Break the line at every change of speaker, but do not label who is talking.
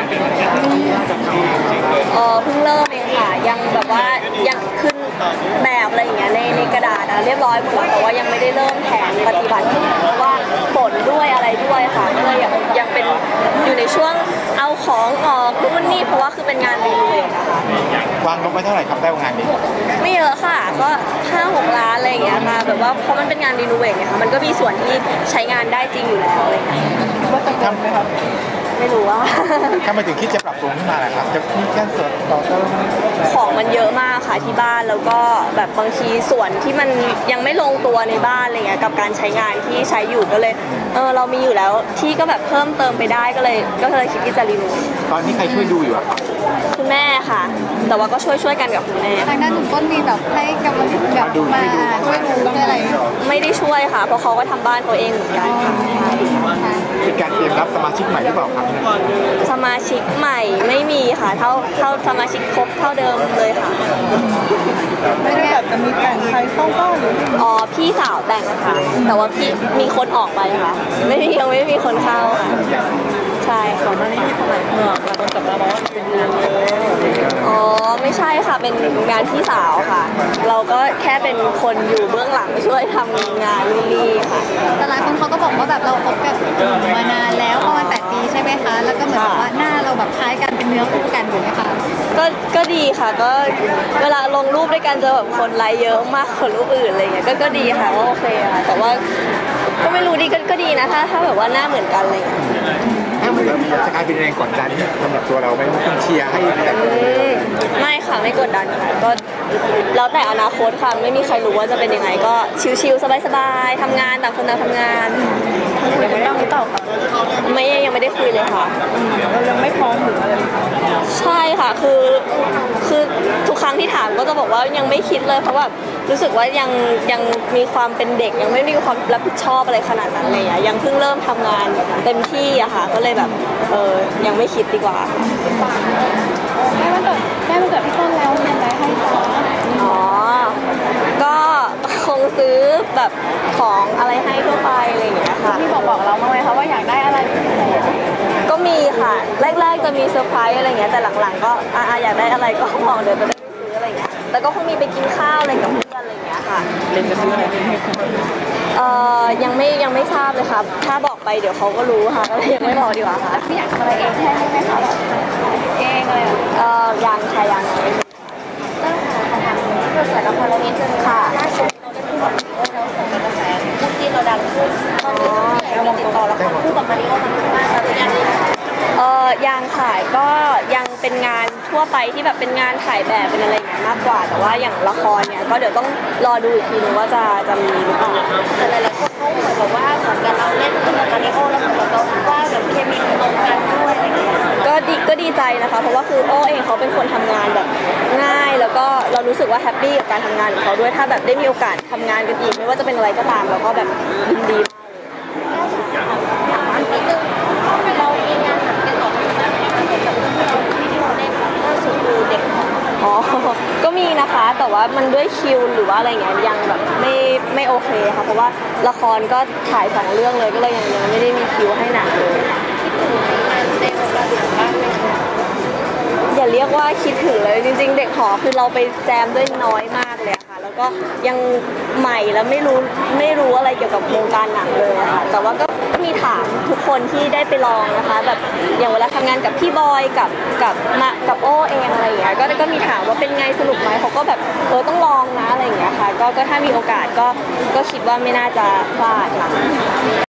เพิ่งเริ่มเองค่ะยังแบบว่ายังขึ้นแบบอะไรอย่างเงี้ยในกระดาษเรียบร้อยหมดแล้วแต่ว่ายังไม่ได้เริ่มแผนปฏิบัติเพราะว่าฝนด้วยอะไรด้วยค่ะก็เลยยังเป็นอยู่ในช่วงเอาของออกนู่นนี่เพราะว่าคือเป็นงานรีโนเวทนะคะ
วางงบไว้เท่าไหร่ครับได้งานนี้
ไม่เยอะค่ะก็5-6 ล้านอะไรอย่างเงี้ยค่ะแบบว่าเพราะมันเป็นงานรีโนเวทเนี่ยค่ะมันก็มีส่วนที่ใช้งานได้จริงอยู่แล้วอะไรอย่างเงี้ย
ว่าจะทำไหมครับ
ไม่รู้ว่า
ถ้ามาถึงคิดจะปรับปรุงขึ้นมาแหละครับจะมีการส่วนต่อเติม
ของมันเยอะมากค่ะที่บ้านแล้วก็แบบบางทีส่วนที่มันยังไม่ลงตัวในบ้านอะไรเงี้ยกับการใช้งานที่ใช้อยู่ก็เลยเรามีอยู่แล้วที่ก็แบบเพิ่มเติมไปได้ก็เลยคิดที่จะรีโนเวท
ตอนนี้ใครช่วยดูอยู่อะครับ
คุณแม่ค่ะแต่ว่าก็ช่วยกันกับคุณแม่
ทางด้านหนุ่มต้นมีแบบให้กำลังแบบมาช่วยดูอะไร
ไม่ได้ช่วยค่ะเพราะเขาก็ทำบ้านเขาเองเหมือนกันค่ะ
เป็นการเตรียมรับสมาชิกใหม่หรือเปล่าครับ
สมาชิกใหม่ไม่มีค่ะเท่าสมาชิกครบเท่าเดิมเลยค่ะ
ไม่ได้แบบจะมีแต่งใครเข้าบ้านหรือ
พี่สาวแต่งค่ะแต่ว่าพี่มีคนออกไปค่ะยังไม่มีคนเข้าค่ะใช่ของมันนี่ทำไมเราต้องจับมาบอกว่าเป็นงานไม่ใช่ค่ะเป็นงานพี่สาวค่ะเราก็แค่เป็นคนอยู่เบื้องหลังช่วยทำงานนี่ค่ะ
แต่หลายคนเขาก็บอกว่าแบบเราคบกับมานานแล้วประมาณ8 ปีใช่ไหมคะแล้วก็เหมือนว่าหน้าเราแบบคล้ายกันเป็นเนื้อคู่กันอยู่ไหมคะ
ก็ดีค่ะก็เวลาลงรูปด้วยกันจะแบบคนไลค์เยอะมากกว่ารูปอื่นอะไรเงี้ยก็ดีค่ะก็โอเคค่ะแต่ว่าก็ไม่รู้ดีก็ดีนะถ้าแบบว่าหน้าเหมือนกันอะไรเงี้ย
ถ้ามันจะกลายเป็นแรงกดดันสำหรับตัวเราไหมต้องเชียร์ให้แต่ง
ไม่ค่ะไม่กดดันค่ะก็แล้วแต่อนาคตค่ะไม่มีใครรู้ว่าจะเป็นยังไงก็ชิลๆสบายๆทำงานต่างคนต่างทำงาน
ยังไม่ต้องหรือเปล่าคะ
ยังไม่ได้คุยเลยค่ะ
เรายังไม่พร้อมหรืออะไร
ใช่ค่ะคือทุกครั้งที่ถามก็จะบอกว่ายังไม่คิดเลยเพราะว่ารู้สึกว่ายังมีความเป็นเด็กยังไม่มีความรับผิดชอบอะไรขนาดนั้นเลยอะยังเพิ่งเริ่มทำงานเต็มที่อะค่ะก็เลยแบบยังไม่คิดดีกว่า
แม่มันเกิดพี่ต้นแล้วยังไงให้ต่อ
ก็คงซื้อแบบของอะไรให้ทั่วไปอะไรอย่างเงี้ยค่ะ
พี่บอกเราบ้างไหมคะว่าอยากได้อะไร
ก็มีค่ะแรกๆจะมีเซอร์ไพรส์อะไรเงี้ยแต่หลังๆก็อยากได้อะไรก็บอกเดี๋ยวจะได้ไปซื้ออะไรเงี้ยแล้วก็คงมีไปกินข้าวอะไรกับเพื่อนอะไรเงี้ยค่ะ
จะซื้ออะไร
ยังไม่ทราบเลยครับถ้าบอกไปเดี๋ยวเขาก็รู้ค่ะก็เลยยังไม่บอกดีกว่าค่ะ
พี่อยากทำอะไรเองใช่ไหมคะเองเลย
ยังค่ะยัง
เริ่มทำกระแสละครเรานิดนึงค่ะล่าสุดเราได้พูดกับมาริโอแล้วส่งกระแสพูดจีนเราดังขึ้นตอนนี้เราติดต่อละครพูดกับมาริโอมันมากแล้วหรือยัง
ยังค่ะก็ยังเป็นงานทั่วไปที่แบบเป็นงานถ่ายแบบเป็นอะไรอย่างเงี้ยมากกว่าแต่ว่าอย่างละครเนี่ยก็เดี๋ยวต้องรอดูอีกทีนึงว่าจะมีหรือเปล่า
แต่หลายๆคนเขาเหมือนแบบว่าเหมือนกับเราเล่นกับมาริโอแล้วเหมือนกับเราว่าแบบเคมีตรงกันด้วยอะไรอย่างเงี้ย
ก็ดีใจนะคะเพราะว่าคือโอ้เองเขาเป็นคนทำงานแบบง่ายแล้วก็เรารู้สึกว่าแฮปปี้กับการทำงานของเขาด้วยถ้าแบบได้มีโอกาสทำงานกันอีกไม่ว่าจะเป็นอะไรก็ตามเราก็แบบยินดี
เราเองงานติดต่อที่นั่นกับเราที่เราเล่นล่าสุดคือเด็ก
ก็มีนะคะแต่ว่ามันด้วยคิวหรือว่าอะไรเงี้ยยังแบบไม่โอเคค่ะเพราะว่าละครก็ถ่าย2 เรื่องเลยก็เลยยังไม่ได้มีคิวให้หนักเลยอย่าเรียกว่าคิดถึงเลยจริงๆเด็กหอคือเราไปแจมด้วยน้อยมากเลยค่ะแล้วก็ยังใหม่แล้วไม่รู้อะไรเกี่ยวกับวงการหนังเลยค่ะแต่ว่าก็มีถามทุกคนที่ได้ไปลองนะคะแบบอย่างเวลาทำงานกับพี่บอยกับโอ้เองอะไรอย่างเงี้ยก็มีถามว่าเป็นไงสนุกไหมเขาก็แบบต้องลองนะอะไรอย่างเงี้ยค่ะก็ถ้ามีโอกาสก็คิดว่าไม่น่าจะพลาดค่ะ